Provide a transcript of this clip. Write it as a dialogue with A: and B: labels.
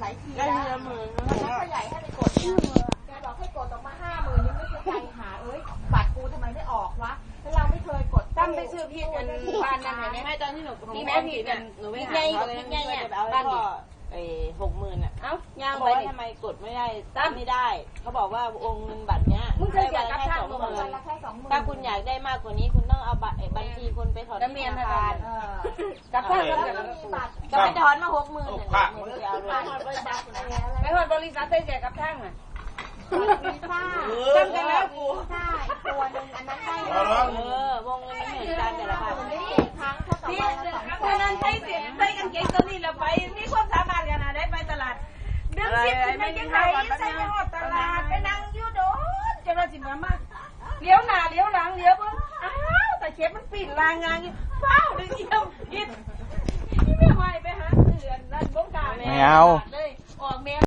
A: ายทีแล้วแล้วก็ใหญ่ให้ไปกดแกบอกให้กดออกมา50,000ยังไม่เคยใจหาบัตรกูทำไมไม่ออกวะแล้วเราไม่เคยกด
B: ตั้งไปซื้อพี่กันบ้านนั่นไหนไม่ตอนที่หนูพี่แม่พี่กันหนูไม่หาเขาเลยเนี่ยบ้านนี่60,000อ่ะเอ้าย่างไปทำไมกดไม่ได้ตั้งไม่ได้เขาบอกว่าวงเงินบัตรเนี้ยได้วันละแค่20,000ถ้าคุณอยากได้มากกว่านี้คุณต้องเอาบัญชีคุณไปถอนที่ธนาคารกับข้าวจะไปถอนมา60,000เนี่ยไปถอนบริษัทได้แก่กับช่างอ่ะ
A: วีซ่า
B: ตั้งกันแล้วกู
A: ใช่ตัวนึงอันนั้นได้
B: วงเงินไม่เหมือนกันแต่ละพัน
A: ไม่ครั้งเท่ากับวันละ200
B: คนนั้นใช้เสียใช้กันเก่งตัวนี้เราไปมีความสามารถกันนะได้ไปตลาดเดินชิดไปยังไงใช้ไปหอดตลาดไปนั่งยูโดนจะเราสิมามาเลี้ยวหน้าเลี้ยวหลังเลี้ยวปุ๊บอ้าวแต่เชฟมันปิดรางงานนี่เฝ้าดึงเยี่ยมยิดที่ไม่ไหวไปหาเถื่อนนั่นบ้งกา
C: ไม่เอา